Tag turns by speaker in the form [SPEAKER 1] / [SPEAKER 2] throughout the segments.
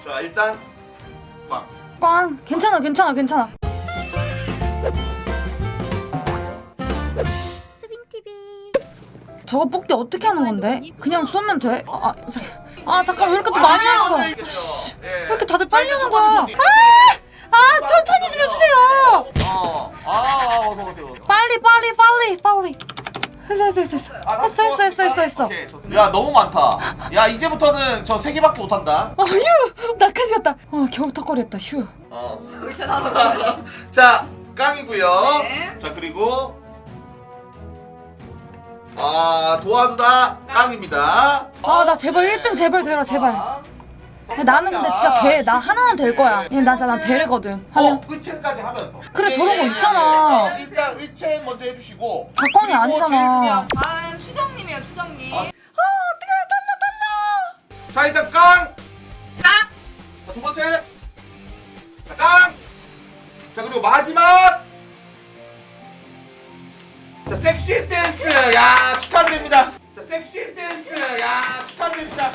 [SPEAKER 1] 자 일단 꽝.
[SPEAKER 2] 꽝. 괜찮아. 저거 뽑기 어떻게 하는 건데? 그냥 쏘면 돼? 잠깐 왜 이렇게 또 많이 하는 거야? 왜 이렇게 다들 빨리 하는 거야? 천천히 좀 해주세요.
[SPEAKER 1] 어서 오세요.
[SPEAKER 2] 빨리. 했어.
[SPEAKER 1] 오케이, 좋습니다. 야 너무 많다. 야 이제부터는 저 3개밖에 못한다.
[SPEAKER 2] 휴. 나까지 갔다. 겨우 턱걸이했다. 휴.
[SPEAKER 1] 자 깡이고요.
[SPEAKER 3] 네.
[SPEAKER 1] 자 그리고 도와주다 깡입니다.
[SPEAKER 2] 나 제발 1등 제발 되라 제발. 나는 근데 진짜 돼. 나 하나는 될 거야. 나 진짜 난 되거든. 하면.
[SPEAKER 1] 의체까지 하면서.
[SPEAKER 2] 그래, 저런 거 있잖아.
[SPEAKER 1] 일단 의체 먼저 해주시고.
[SPEAKER 2] 각광이
[SPEAKER 1] 그리고
[SPEAKER 2] 아니잖아.
[SPEAKER 1] 제일 중요한-
[SPEAKER 3] 다음 추정님이에요, 추정님.
[SPEAKER 1] 어떡해, 떨려. 자 일단 깡. 자, 두 번째. 자 깡. 자 그리고 마지막. 자 섹시 댄스. 야 축하드립니다. 자 섹시 댄스. 야 축하드립니다.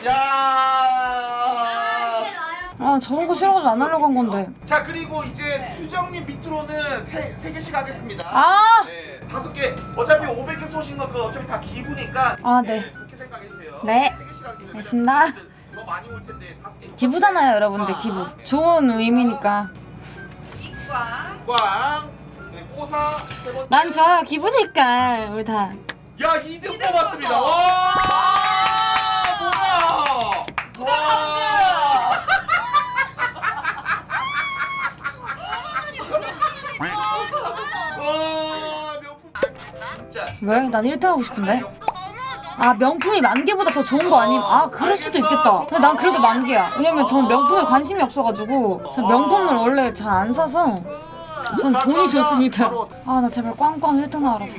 [SPEAKER 1] 야.
[SPEAKER 2] 저런 거 싫어가지고 안 하려고 한 건데.
[SPEAKER 1] 자 그리고 이제 추정님 밑으로는 세 개씩 하겠습니다. 네, 5개. 어차피 500개 쏘신 거 그거 어차피 다 기부니까.
[SPEAKER 2] 네.
[SPEAKER 1] 좋게 생각해주세요.
[SPEAKER 2] 네.
[SPEAKER 1] 3개씩 하겠습니다.
[SPEAKER 2] 알겠습니다.
[SPEAKER 1] 더 많이 올 텐데 5개.
[SPEAKER 2] 기부잖아요, 여러분들. 기부. 좋은 의미니까.
[SPEAKER 3] 이꽝.
[SPEAKER 1] 꽝. 네, 뽀사. 세 번째.
[SPEAKER 2] 난 좋아요. 기부니까 우리 다.
[SPEAKER 1] 야 2등 뽑았습니다. 와. 뭐야? 와. 와 명품. 진짜.
[SPEAKER 2] 왜? 난 1등 하고 싶은데. 명품이 10,000개보다 더 좋은 거 아님? 그럴 수도 있겠다. 근데 난 그래도 10,000개야. 왜냐면 전 명품에 관심이 없어가지고 전 명품을 원래 잘 안 사서 전 돈이 좋습니다. 나 제발 꽝꽝 1등 나와라서.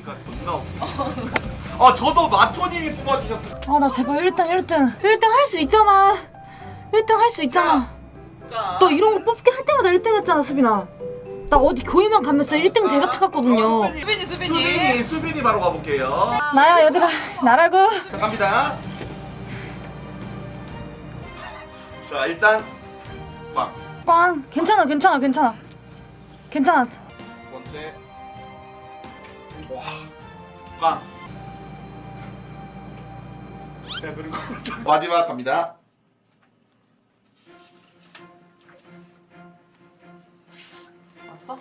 [SPEAKER 1] 저도 마토님이 뽑아주셨어요.
[SPEAKER 2] 나 제발 1등 할 수 있잖아. 1등 할 수 있잖아. 너 이런 거 뽑기 할 때마다 1등 했잖아, 수빈아. 나 어디 교회만 가면 진짜 1등 제가 타갔거든요.
[SPEAKER 3] 수빈이.
[SPEAKER 1] 바로 가볼게요.
[SPEAKER 2] 나야, 얘들아. 나라고.
[SPEAKER 1] 자 갑니다. 자 일단 꽝.
[SPEAKER 2] 꽝. 괜찮아.
[SPEAKER 1] 두 번째. 와. 꽝. 자 그리고 마지막 갑니다.
[SPEAKER 3] 왔어?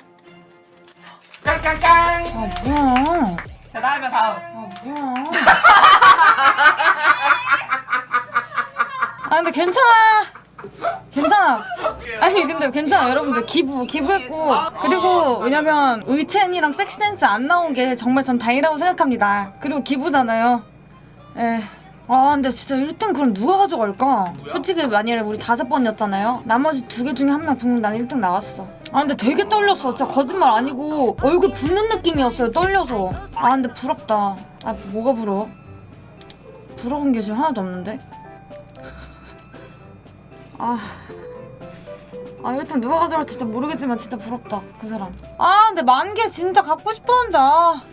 [SPEAKER 1] 깡깡깡.
[SPEAKER 2] 뭐야.
[SPEAKER 3] 자, 다음이면 다음.
[SPEAKER 2] 뭐야. 근데 괜찮아. 아니 근데 괜찮아 여러분들. 기부했고. 그리고 왜냐면 의첸이랑 섹시댄스 안 나온 게 정말 전 다행이라고 생각합니다. 그리고 기부잖아요. 근데 진짜 1등 그럼 누가 가져갈까? 솔직히 만일에 우리 5번이었잖아요. 나머지 2개 중에 1명 붙으면 난 1등 나왔어. 근데 되게 떨렸어. 진짜 거짓말 아니고 얼굴 붓는 느낌이었어요. 떨려서. 근데 부럽다. 뭐가 부러워? 부러운 게 지금 하나도 없는데? 1등 누가 가져갈지 진짜 모르겠지만 진짜 부럽다. 그 사람. 근데 10,000개 진짜 갖고 싶었는데.